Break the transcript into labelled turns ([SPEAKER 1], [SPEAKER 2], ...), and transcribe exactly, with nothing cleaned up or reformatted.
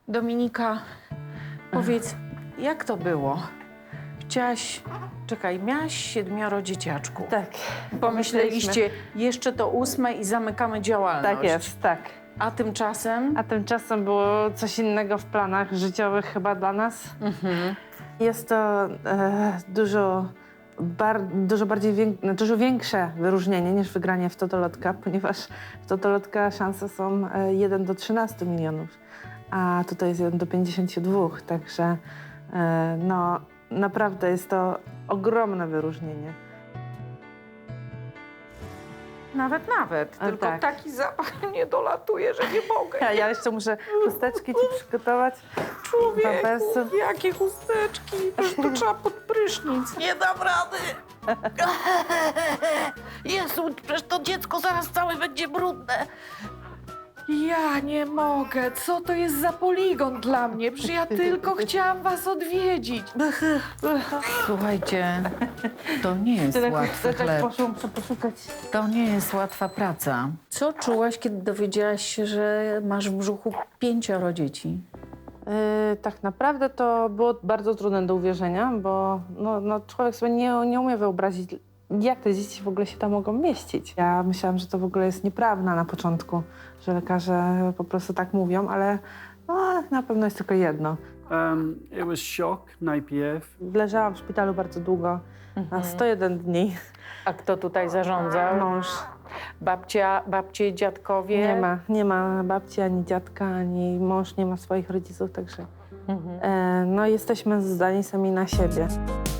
[SPEAKER 1] Dominika, powiedz, jak to było? Chciałaś, czekaj, miałaś siedmioro dzieciaczków.
[SPEAKER 2] Tak.
[SPEAKER 1] Pomyśleliście, jeszcze to ósme i zamykamy działalność.
[SPEAKER 2] Tak jest, tak.
[SPEAKER 1] A tymczasem?
[SPEAKER 2] A tymczasem było coś innego w planach życiowych chyba dla nas.
[SPEAKER 1] Mhm.
[SPEAKER 2] Jest to e, dużo, bar, dużo, bardziej wiek, dużo większe wyróżnienie niż wygranie w Totolotka, ponieważ w Totolotka szanse są e, jeden do trzynastu milionów, a tutaj jest jeden do pięćdziesięciu dwóch, także e, no, naprawdę jest to ogromne wyróżnienie.
[SPEAKER 1] Nawet, nawet.
[SPEAKER 2] A,
[SPEAKER 1] Tylko
[SPEAKER 2] tak.
[SPEAKER 1] taki zapach nie dolatuje, że nie mogę.
[SPEAKER 2] Ja, ja jeszcze muszę chusteczki ci przygotować.
[SPEAKER 1] Człowieku,
[SPEAKER 2] Pampers.
[SPEAKER 1] jakie chusteczki. Aż to trzeba pod prysznic. Nie dam rady. Jezu, przecież to dziecko zaraz całe będzie brudne. Ja nie mogę. Co to jest za poligon dla mnie? Przecież ja tylko chciałam was odwiedzić. Słuchajcie, to nie jest łatwy chleb.
[SPEAKER 2] Poszłam muszę poszukać.
[SPEAKER 1] To nie jest łatwa praca. Co czułaś, kiedy dowiedziałaś się, że masz w brzuchu pięcioro dzieci?
[SPEAKER 2] Yy, tak naprawdę to było bardzo trudne do uwierzenia, bo no, no, człowiek sobie nie, nie umie wyobrazić, jak te dzieci w ogóle się tam mogą mieścić. Ja myślałam, że to w ogóle jest nieprawda na początku, że lekarze po prostu tak mówią, ale no, na pewno jest tylko jedno.
[SPEAKER 3] Um, it was shock najpierw.
[SPEAKER 2] Leżałam w szpitalu bardzo długo, na sto jeden dni.
[SPEAKER 1] A kto tutaj zarządzał?
[SPEAKER 2] Mąż.
[SPEAKER 1] Babcia, babcie, dziadkowie?
[SPEAKER 2] Nie ma, nie ma babci, ani dziadka, ani mąż nie ma swoich rodziców, także
[SPEAKER 1] Mhm.
[SPEAKER 2] e, no, jesteśmy zdani sami na siebie.